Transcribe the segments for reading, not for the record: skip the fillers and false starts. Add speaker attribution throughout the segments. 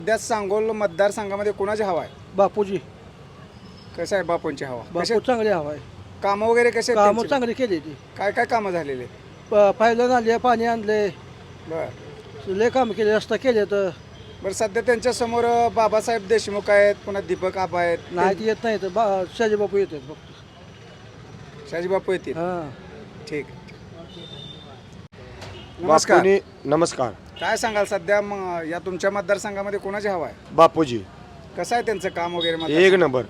Speaker 1: सध्या सांगोल मतदारसंघामध्ये कोणाची हवा आहे?
Speaker 2: बापूजी.
Speaker 1: कसं आहे बापूंची हवा?
Speaker 2: बापू चांगले हवा आहे.
Speaker 1: कामं वगैरे कसे आहेत
Speaker 2: कामं
Speaker 1: त्यांची?
Speaker 2: चांगली केली ती.
Speaker 1: काय काय कामं झालेले?
Speaker 2: पाहिलं आणले, पाणी आणले,
Speaker 1: बरं
Speaker 2: लय काम केले, रस्ता केले तर
Speaker 1: बरं सध्या त्यांच्या समोर बाबासाहेब देशमुख आहेत, पुन्हा दीपक आबा आहेत,
Speaker 2: नाही ते येत नाही तर शाजी बापू येतात फक्त.
Speaker 1: शाजी बापू येतील.
Speaker 2: हां.
Speaker 1: ठीक. नमस्कार.
Speaker 3: बापूनी नमस्कार.
Speaker 1: काय सांगाल सध्या मग या तुमच्या मतदारसंघामध्ये कोणाची हवा आहे?
Speaker 3: बापूजी
Speaker 1: कसं आहे त्यांचं काम वगैरे
Speaker 3: एक
Speaker 1: मतदारसंघात?
Speaker 3: नंबर.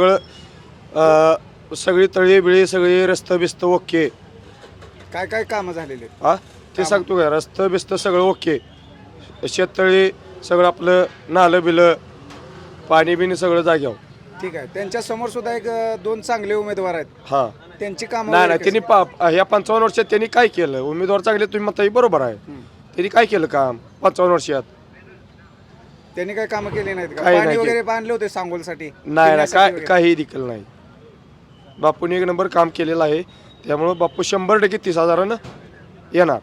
Speaker 3: सगळी तळी बिळी सगळी रस्तं बिस्त ओके.
Speaker 1: काय काय कामं झालेले आहेत?
Speaker 3: हा ते सांगतो का, रस्तं बिस्त सगळं ओके. शेततळी सगळं आपलं नालं बिलं पाणी बिणी सगळं जाग्यावर.
Speaker 1: ठीक आहे. त्यांच्या समोर सुद्धा एक दोन चांगले उमेदवार आहेत.
Speaker 3: हा
Speaker 1: त्यांची कामं
Speaker 3: नाही
Speaker 1: वगैरे
Speaker 3: नाही त्यांनी ह्या 55 वर्षात त्यांनी काय केलं? उमेदवार चांगले तुम्ही म्हणता बरोबर आहे. त्यांनी काय केलं काम 55 वर्षात?
Speaker 1: त्यांनी काय कामं केली नाहीत का?
Speaker 3: काही
Speaker 1: पाणी
Speaker 3: नाही
Speaker 1: वगैरे बांधले होते सांगोलसाठी?
Speaker 3: नाही नाही
Speaker 1: पिण्यासाठी
Speaker 3: काय
Speaker 1: वगैरे?
Speaker 3: काही देखील नाही. बापूने एक नंबर काम केलेलं आहे. त्यामुळं बापू 100% 30,000 येणार.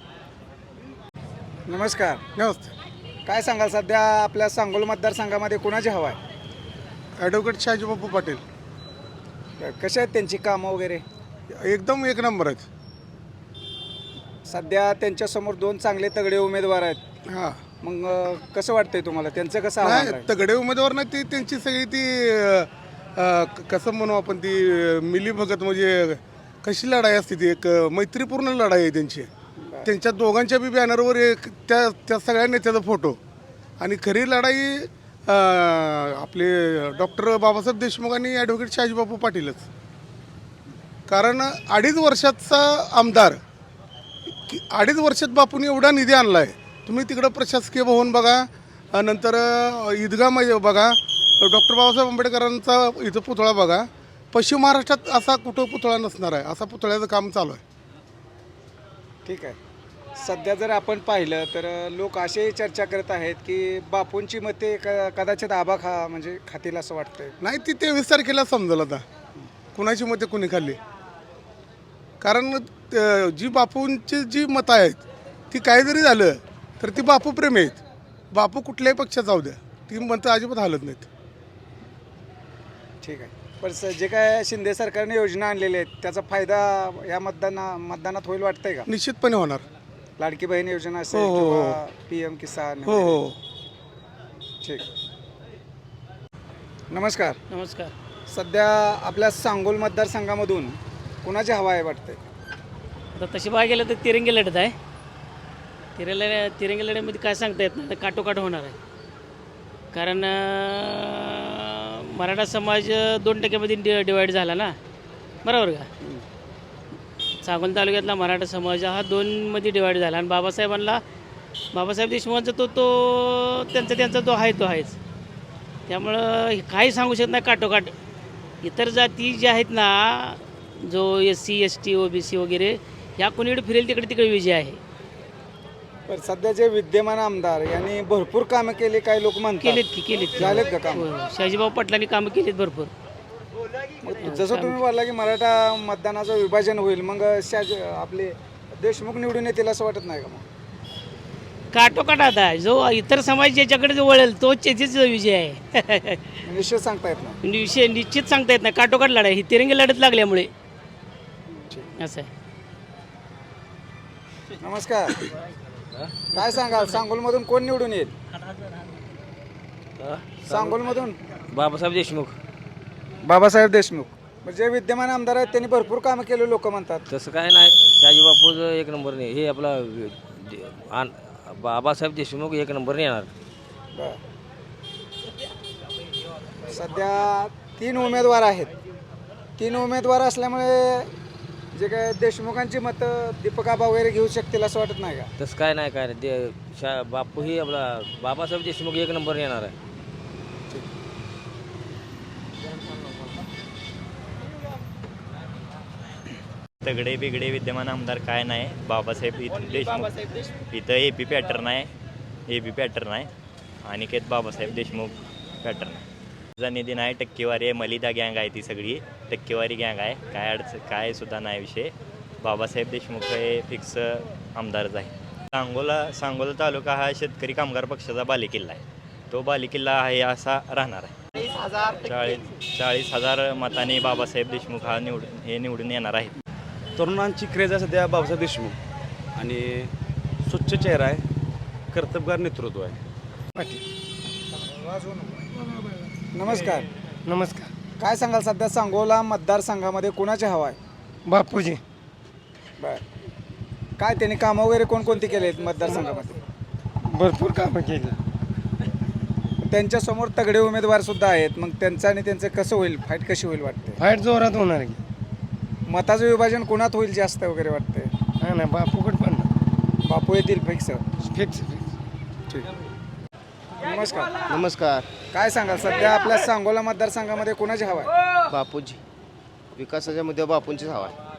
Speaker 1: नमस्कार.
Speaker 4: नमस्ते.
Speaker 1: काय सांगाल सध्या आपल्या सांगोल मतदारसंघामध्ये कोणाची हवा आहे?
Speaker 4: ॲडव्होकेट शाजीबापू पाटील
Speaker 1: कशा आहेत त्यांची कामं वगैरे?
Speaker 4: एकदम एक नंबर आहेत.
Speaker 1: सध्या त्यांच्या समोर दोन चांगले तगडे उमेदवार आहेत.
Speaker 4: हां
Speaker 1: मग कसं वाटतंय तुम्हाला त्यांचं कसं आव्हान
Speaker 4: नाही
Speaker 1: राहील?
Speaker 4: तगडे उमेदवार नाही, ती त्यांची सगळी ती कसं म्हणू आपण, ती मिलीभगत म्हणजे कशी लढाई असते, ती एक मैत्रीपूर्ण लढाई आहे त्यांची. त्यांच्या दोघांच्या बी बॅनरवर एक त्या सगळ्या नेत्याचा फोटो. आणि खरी लढाई आपले डॉक्टर बाबासाहेब देशमुख आणि ॲडव्होकेट शाजीबापू पाटीलच. कारण 2.5 वर्षाचा आमदार, 2.5 वर्षात बापूंनी एवढा निधी आणला आहे. तुम्ही तिकडं प्रशासकीय भवन बघा, नंतर ईदगाह बघा, डॉक्टर बाबासाहेब आंबेडकरांचा इथं पुतळा बघा. पश्चिम महाराष्ट्रात असा कुठं पुतळा नसणार आहे, असा पुतळ्याचं काम चालू आहे.
Speaker 1: ठीक आहे. सध्या जर आपण पाहिलं तर लोक असेही चर्चा करत आहेत की बापूंची मते कदाचित आबा म्हणजे खातील असं वाटतंय.
Speaker 4: नाही, ती 23 तारखेला समजेल आता कुणाची मते कुणी खाल्ली. कारण जी बापूंची जी मतं आहेत ती काय जरी झालं तर ती बापू प्रेमी आहेत. बापू कुठल्याही पक्षात जाऊ द्या, ती मतं अजिबात हालत नाहीत.
Speaker 1: ठीक आहे. पण जे काय शिंदे सरकारने योजना आणलेल्या आहेत त्याचा फायदा या मतदानात होईल वाटतंय का?
Speaker 4: निश्चितपणे होणार.
Speaker 1: लाडकी बहीण योजना असेल
Speaker 4: हो, हो, हो.
Speaker 1: किंवा PM किसान
Speaker 4: हो
Speaker 1: वगैरे.
Speaker 4: हो.
Speaker 1: ठीक. नमस्कार.
Speaker 2: नमस्कार.
Speaker 1: सध्या आपल्या सांगोल मतदारसंघामधून कुणाची हवा आहे वाटतंय?
Speaker 5: आता तशी बघायला गेलं तर तिरंगी लढत आहे. तिरंगी लढ्यामध्ये काय सांगता येत नाही, काटोकाट होणार आहे. कारण मराठा समाज 2% डिवाईड झाला ना, बरोबर का? सांगोल तालुक्यातला मराठा समाज हा 2मध्ये डिवाईड झाला. आणि बाबासाहेब देशमुखांचा तो त्यांचा तो आहेच. त्यामुळं काही सांगू शकत नाही काटोकाट. इतर जाती ज्या आहेत ना, जो SC ST OBC वगैरे, ह्या कोणीकडे फिरेल तिकडे विजय आहे.
Speaker 1: पण सध्या जे विद्यमान आमदार यांनी भरपूर कामं केली, काही लोक म्हणतात.
Speaker 5: केलीत
Speaker 1: झालेत का काम?
Speaker 5: शाजीभाऊ पाटलांनी कामं केलीत भरपूर.
Speaker 1: जसं तुम्ही बोलला की मराठा मतदानाचं विभाजन होईल, मग आपले देशमुख निवडून येतील असं वाटत नाही का? मग
Speaker 5: काटोकाट आता जो इतर समाज ज्याच्याकडे जो वळेल तोच त्याचीच विजय आहे.
Speaker 1: निश्चित सांगता येत नाही.
Speaker 5: विषय निश्चित सांगता येत नाही. काटोकाट लढाई ही तिरंगी लढत लागल्यामुळे असं आहे.
Speaker 1: नमस्कार. काय सांगाल सांगोलमधून कोण निवडून येईल? सांगोलमधून
Speaker 6: बाबासाहेब देशमुख.
Speaker 1: बाबासाहेब देशमुख. म्हणजे विद्यमान आमदार आहेत त्यांनी भरपूर कामं केले लोक म्हणतात.
Speaker 6: तसं काय नाही, शाजीबापूचं एक नंबर नाही. हे आपला बाबासाहेब देशमुख एक नंबरने येणार.
Speaker 1: बरं. सध्या 3 उमेदवार आहेत. 3 उमेदवार असल्यामुळे जे काय देशमुखांची मतं दीपक आबा वगैरे घेऊ शकतील असं वाटत नाही का?
Speaker 6: तसं काय नाही. बापू ही आपला बाबासाहेब देशमुख एक नंबरने येणार आहे.
Speaker 7: तगडे बिगडे विद्यमान आमदार काय नाही. बाबासाहेब देशमुख इथं AP पॅटर्न आहे. AB पॅटर्न आहे. अनिकेत बाबासाहेब देशमुख पॅटर्न आहे. तुझा निधी नाही, टक्केवारी आहे. मलिदा गँग आहे, ती सगळी टक्केवारी गँग आहे. काय सुद्धा नाही विषय. बाबासाहेब देशमुख हे फिक्स आमदारच आहे. सांगोला तालुका हा शेतकरी कामगार पक्षाचा बालेकिल्ला आहे. तो बालेकिल्ला आहे असा राहणार आहे. 40,000 मतांनी बाबासाहेब देशमुख निवडून येणार आहेत.
Speaker 8: तरुणांची क्रेज आहे सध्या बाबासाहेब देशमुख आणि स्वच्छ चेहरा आहे, कर्तबगार नेतृत्व आहे.
Speaker 1: नमस्कार.
Speaker 2: नमस्कार.
Speaker 1: काय सांगाल सध्या सांगोला मतदारसंघामध्ये कुणाची हवा आहे?
Speaker 2: बापूजी.
Speaker 1: बर, काय त्यांनी कामं वगैरे कोणकोणती केले आहेत मतदारसंघामध्ये?
Speaker 2: भरपूर कामं केली.
Speaker 1: त्यांच्यासमोर तगडे उमेदवार सुद्धा आहेत, मग त्यांचं आणि त्यांचं कसं होईल, फाईट कशी होईल वाटते?
Speaker 2: फाईट जोरात होणार की.
Speaker 1: मताचं विभाजन कुणात होईल जास्त वगैरे वाटते?
Speaker 2: नाही नाही, बापूकडे पण
Speaker 1: बापू येतील फिक्स?
Speaker 2: फिक्स.
Speaker 1: ठीक. नमस्कार.
Speaker 9: नमस्कार.
Speaker 1: काय सांगाल सध्या आपल्या सांगोला मतदारसंघामध्ये कुणाची हवा आहे?
Speaker 9: बापूजी. विकासाच्या मुद्द्यावर बापूंचीच हवा आहे.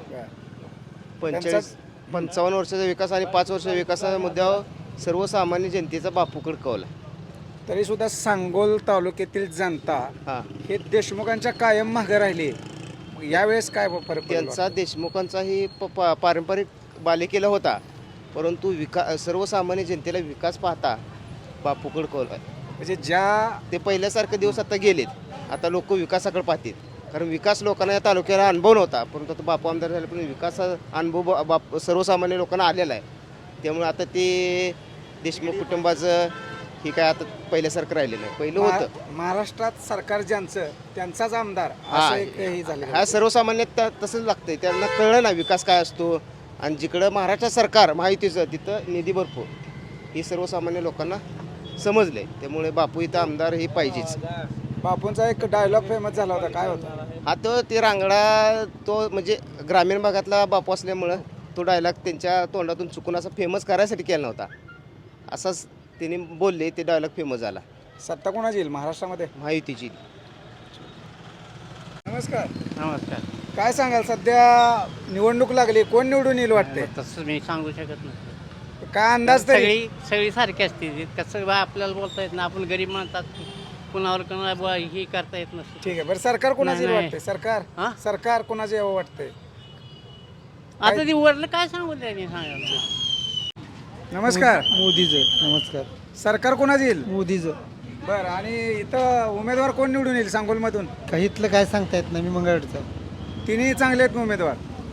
Speaker 9: 55 वर्षाचा विकास आणि 5 वर्षाच्या विकासाच्या मुद्द्यावर सर्वसामान्य जनतेचा बापूकडे कौल आहे.
Speaker 1: तरी सुद्धा सांगोल तालुक्यातील जनता
Speaker 9: हां,
Speaker 1: हे देशमुखांच्या कायम मागे राहिली. मग यावेळेस काय फरक पडेल?
Speaker 9: त्यांचा देशमुखांचाही पारंपरिक बालेकिल्ला होता, परंतु सर्वसामान्य जनतेला विकास पाहता बापूकडे कौल आहे.
Speaker 1: म्हणजे ज्या
Speaker 9: ते पहिल्यासारखे दिवस आता गेलेत. आता लोक विकासाकडे पाहतील, कारण विकास लोकांना या तालुक्याला अनुभव नव्हता, परंतु आता बापू आमदार झाले पण विकासाचा अनुभव सर्वसामान्य लोकांना आलेला आहे. त्यामुळे आता ते देशमुख कुटुंबाचं हे काय आता पहिल्यासारखं राहिलेलं आहे. पहिलं होतं
Speaker 1: महाराष्ट्रात सरकार ज्यांचं त्यांचाच आमदार
Speaker 9: हा,
Speaker 1: असं एक हे झालं.
Speaker 9: हा सर्वसामान्य तसंच लागतंय. त्यांना कळलं ना विकास काय असतो, आणि जिकडं महाराष्ट्र सरकार महायुतीचं तिथं निधी भरपूर ही सर्वसामान्य लोकांना समजले. त्यामुळे बापू इथं आमदार हे पाहिजेच.
Speaker 1: बापूंचा एक डायलॉग फेमस झाला होता, काय होता?
Speaker 9: हा तो ते रांगडा, तो म्हणजे ग्रामीण भागातला बापू असल्यामुळं तो डायलॉग त्यांच्या तोंडातून चुकून असा फेमस करायसाठी केला नव्हता. असाच त्यांनी बोलले, ते डायलॉग फेमस झाला.
Speaker 1: सत्ता कोणाची येईल महाराष्ट्रामध्ये?
Speaker 9: महायुतीची.
Speaker 1: नमस्कार.
Speaker 2: नमस्कार.
Speaker 1: काय सांगाल सध्या निवडणूक लागली, कोण निवडून येईल वाटते?
Speaker 5: तसं मी सांगू शकत नाही.
Speaker 1: काय अंदाज तरी?
Speaker 5: सगळी सारखी असते. कसं आपल्याला बोलता येत ना, आपण गरीब माणसात कुणावर कोणाला हे करता येत नसतं.
Speaker 1: ठीक आहे. बरं, सरकार कोणाचं येईल
Speaker 5: नाही.
Speaker 1: वाटते? सरकार
Speaker 5: हां?
Speaker 1: सरकार कोणाचं यावं वाटतंय?
Speaker 5: आता ती वरलं काय सांगू त्यांनी सांगायला.
Speaker 1: नमस्कार.
Speaker 2: मोदीचं. नमस्कार.
Speaker 1: सरकार कोणाचं येईल?
Speaker 2: मोदीचं.
Speaker 1: बरं, आणि इथं उमेदवार कोण निवडून येईल सांगोलमधून?
Speaker 2: काही इथलं काय सांगता येत नाही. मी मंगळवारचा.
Speaker 1: तिन्ही चांगले आहेत उमेदवार.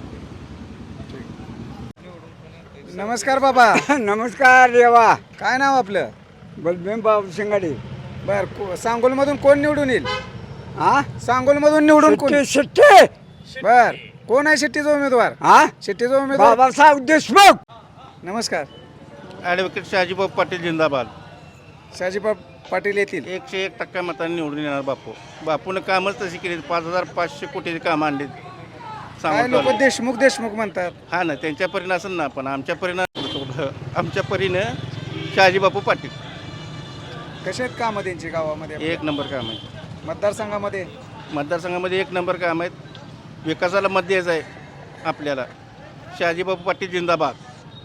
Speaker 1: नमस्कार बाबा.
Speaker 2: नमस्कार देवा.
Speaker 1: काय नाव आपलं?
Speaker 2: बलभीम बाबू शिंगाडे.
Speaker 1: बर, सांगोलमधून कोण निवडून येईल?
Speaker 2: हा,
Speaker 1: सांगोलमधून निवडून कोण?
Speaker 2: शिट्टे.
Speaker 1: बर, कोण आहे शेट्टीचा उमेदवार?
Speaker 2: हा,
Speaker 1: शेट्टीचा उमेदवार.
Speaker 2: बाबासाहेब देशमुख.
Speaker 1: नमस्कर.
Speaker 10: ॲडव्होकेट शहाजीबाब पाटील जिंदाबाद.
Speaker 1: शहाजीबाब पाटील येतील.
Speaker 10: 101% मतांनी निवडून येणार बापू. बापूनं कामच तशी केली. 5,500 कोटीची कामं आणली.
Speaker 1: काय लोक देशमुख देशमुख म्हणतात.
Speaker 10: हा ना, त्यांच्या परीनं असेल ना, पण आमच्या आमच्या परीनं शहाजीबापू पाटील.
Speaker 1: कसे आहेत कामं त्यांची गावामध्ये?
Speaker 10: 1 नंबर काम आहे.
Speaker 1: मतदारसंघामध्ये
Speaker 10: 1 नंबर काम आहेत. विकासाला मत द्यायचं आहे आपल्याला. शहाजीबापू पाटील जिंदाबाद.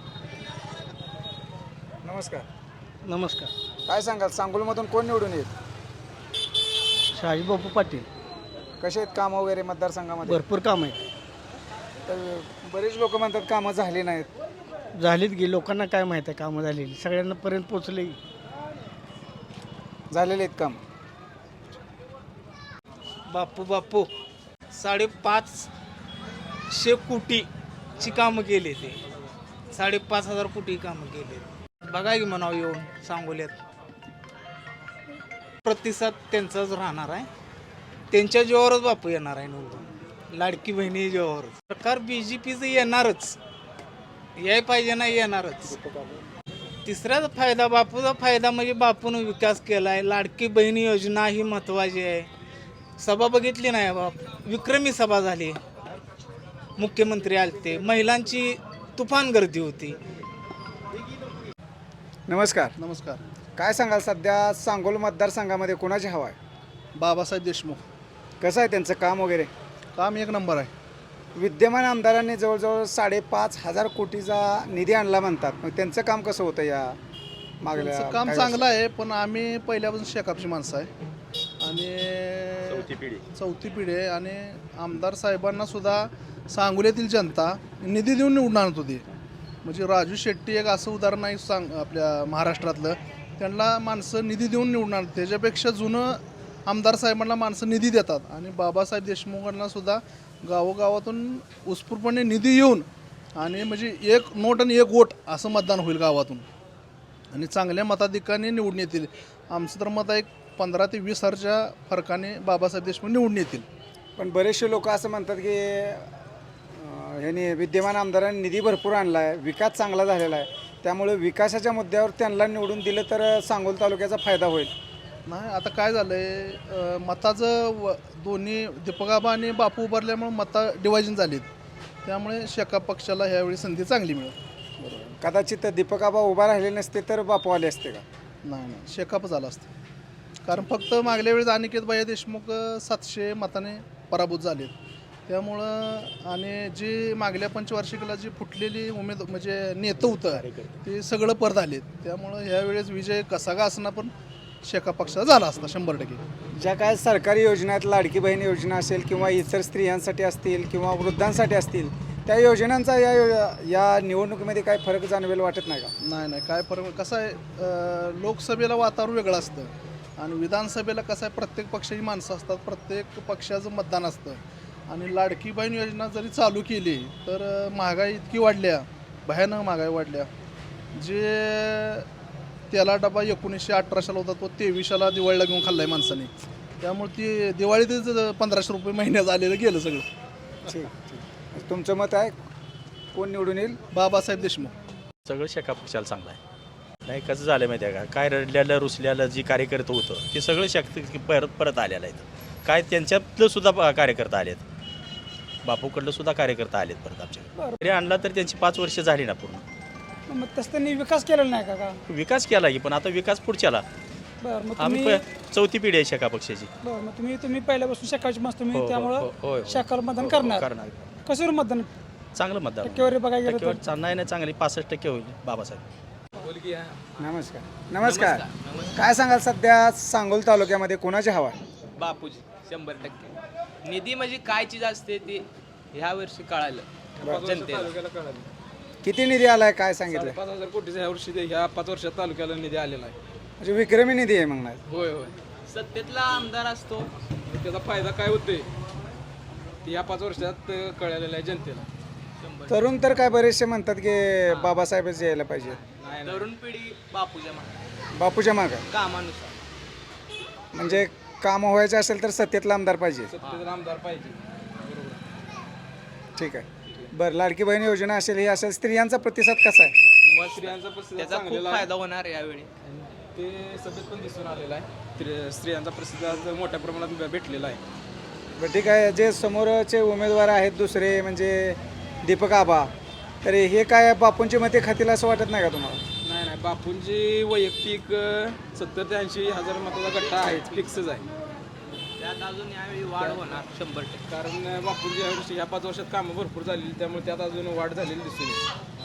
Speaker 1: नमस्कार.
Speaker 2: नमस्कार.
Speaker 1: काय सांगाल सांगोलमधून कोण निवडून येईल?
Speaker 2: शहाजीबापू पाटील.
Speaker 1: कसे आहेत कामं वगैरे मतदारसंघामध्ये?
Speaker 2: भरपूर काम आहे.
Speaker 1: तर बरेच लोक म्हणतात कामं झाली नाहीत.
Speaker 2: झालीत गे. लोकांना काय माहीत आहे कामं झालेली? सगळ्यांना पर्यंत पोचले.
Speaker 1: झालेले आहेत काम.
Speaker 11: बापू 550 कोटीची कामं केली. ते 5,500 कोटी कामं केली. बघा की म्हणावं येऊन सांगोल्यात. प्रतिसाद त्यांचाच राहणार आहे. त्यांच्या जीवावरच बापू येणार आहे निवडून. लाडकी बहिणी जीवावर. सरकार BJPचं येणारच. याय पाहिजे ना, येणारच. तिसऱ्याच फायदा, बापूचा फायदा म्हणजे बापूनं विकास केला आहे. लाडकी बहिणी योजना ही महत्त्वाची आहे. सभा बघितली नाही बाप, विक्रमी सभा झाली. मुख्यमंत्री आलते. महिलांची तुफान गर्दी होती.
Speaker 1: नमस्कार.
Speaker 4: नमस्कार.
Speaker 1: काय सांगाल सध्या सांगोल मतदारसंघामध्ये कोणाची हवा आहे?
Speaker 4: बाबासाहेब देशमुख.
Speaker 1: कसं आहे त्यांचं काम वगैरे?
Speaker 4: काम 1 नंबर आहे.
Speaker 1: विद्यमान आमदारांनी जवळजवळ 5,500 कोटीचा निधी आणला म्हणतात. मग त्यांचं काम कसं होतं या मागल्या?
Speaker 4: काम चांगलं आहे, पण आम्ही पहिल्यापासून शेकापची माणसं आहे आणि चौथी पिढी आहे. आणि आमदार साहेबांना सुद्धा सांगोल्यातील जनता निधी देऊन निवडून आणत होती. म्हणजे राजू शेट्टी एक असं उदाहरण आहे आपल्या महाराष्ट्रातलं
Speaker 2: त्यांना माणसं निधी देऊन निवडणार. त्याच्यापेक्षा जुनं आमदार साहेबांना माणसं निधी देतात आणि बाबासाहेब देशमुखांना सुद्धा गावोगावातून उत्स्फूर्तपणे निधी येऊन आणि म्हणजे एक नोट आणि एक वोट असं मतदान होईल गावातून आणि चांगल्या मताधिकाने निवडून येतील. आमचं तर मत आहे 15 ते 20 हजारच्या फरकाने बाबासाहेब देशमुख निवडून येतील.
Speaker 1: पण बरेचसे लोक असं म्हणतात की ह्यांनी विद्यमान आमदारांनी निधी भरपूर आणला आहे, विकास चांगला झालेला आहे, त्यामुळे विकासाच्या मुद्द्यावर त्यांना निवडून दिलं तर सांगोल तालुक्याचा फायदा होईल.
Speaker 2: नाही आता काय झालं आहे मताचं दोन्ही दीपकाबा आणि बापू उभारल्यामुळे मतं डिवायजन झालीत. त्यामुळे शेका पक्षाला ह्यावेळी संधी चांगली मिळेल.
Speaker 1: कदाचित दीपकाबा उभा राहिले नसते तर बापू आले असते का?
Speaker 2: नाही शेकाप झाला असतं. कारण फक्त मागल्या वेळेस अनिकेत भाई देशमुख 700 मताने पराभूत झालेत. त्यामुळं आणि जी मागल्या पंचवार्षिकला जी फुटलेली म्हणजे नेतं होतं ते सगळं परत आलेत. त्यामुळं ह्यावेळेस विजय कसा का असणार पण शेका पक्षाचा झाला असता 100%.
Speaker 1: ज्या काय सरकारी योजना आहेत, लाडकी बहीण योजना असेल किंवा इतर स्त्रियांसाठी असतील किंवा वृद्धांसाठी असतील, त्या योजनांचा या निवडणुकीमध्ये काय फरक जाणवेल वाटत नाही का?
Speaker 2: नाही काय फरक कसं आहे लोकसभेला वातावरण वेगळं असतं आणि विधानसभेला कसं आहे प्रत्येक पक्षाची माणसं असतात, प्रत्येक पक्षाचं मतदान असतं आणि लाडकी बहीण योजना जरी चालू केली तर महागाई इतकी वाढल्या, भयानक महागाई वाढल्या. जे त्याला डबा 1918 होता तो 23 दिवाळीला घेऊन खाल्ला आहे माणसाने. त्यामुळे ती दिवाळीतच 1500 रुपये महिन्यात आलेलं गेलं सगळं.
Speaker 1: ठीक. तुमचं मत आहे कोण निवडून येईल?
Speaker 2: बाबासाहेब देशमुख.
Speaker 8: सगळं शेका पक्षाला चांगलं आहे. नाही कसं झालं माहिती आहे का, काय रडल्यालं रुसल्यालं जी कार्यकर्ते होतं ते सगळं परत आलेलं आहे. काय त्यांच्यातलं सुद्धा कार्यकर्ता आलेत, बापूकडलं सुद्धा कार्यकर्ता आलेत परत आमच्याकडे. तरी आणला तर त्यांची 5 वर्ष झाली ना पूर्ण.
Speaker 11: मग तसं त्यांनी विकास केलेला नाही का?
Speaker 8: विकास केला की पण आता विकास पुढच्याला.
Speaker 11: बरं मग
Speaker 8: आम्ही चौथी पिढी आहे शेका पक्षाची.
Speaker 11: बरं मग तुम्ही पहिल्यापासून शाखाची मस्त तुम्ही
Speaker 8: हो,
Speaker 11: त्यामुळं शाखाला मतदान करणार. कशावर मतदान?
Speaker 8: चांगलं मतदान
Speaker 11: टक्केवारी बघायला गेलं तर
Speaker 8: नाही चांगली 65% होईल बाबासाहेब.
Speaker 1: नमस्कार. काय सांगाल सध्या सांगोल तालुक्यामध्ये कोणाची हवा आहे?
Speaker 12: बापूजी 100%. निधी म्हणजे काय चीज असते ते ह्या वर्षी कळालं जनतेला.
Speaker 1: किती निधी आलाय काय सांगितलं?
Speaker 12: 5,000 कोटीचा ह्या वर्षी ह्या 5 वर्षात तालुक्याला निधी आलेला आहे.
Speaker 1: म्हणजे विक्रमी निधी आहे मग.
Speaker 12: होय सत्तेतला आमदार असतो त्याचा फायदा काय होतोय ते ह्या 5 वर्षात कळलेलं आहे जनतेला.
Speaker 1: तरुण तर काय बरेचसे म्हणतात की बाबासाहेबच यायला पाहिजे.
Speaker 12: तरुण पिढी
Speaker 1: बापूच्या मागं
Speaker 12: कामानुसार.
Speaker 1: म्हणजे काम व्हायचे असेल तर सत्तेतला आमदार पाहिजे.
Speaker 12: सत्तेतला आमदार पाहिजे.
Speaker 1: ठीक आहे. बरं लाडकी बहीण योजना असेल ही असेल, स्त्रियांचा प्रतिसाद कसा आहे?
Speaker 12: स्त्रियांचा त्याचा खूप फायदा होणार यावेळी. ते सध्या पण दिसून आलेला आहे. स्त्रियांचा प्रतिसाद मोठ्या प्रमाणात भेटलेला आहे.
Speaker 1: बरं ठीक आहे. जे समोरचे उमेदवार आहेत दुसरे म्हणजे दीपक आबा, तर हे काय बापूंची मते खातील असं वाटत नाही का तुम्हाला?
Speaker 12: नाही बापूंची वैयक्तिक 70 ते 80 हजार मताचा गट्टा आहे, फिक्सच आहे. त्यात अजून यावेळी वाढ होणार 100%. कारण बापूंची ह्या 5 वर्षात कामं भरपूर झालेली त्यामुळे त्यात अजून वाढ झालेली दिसून येईल.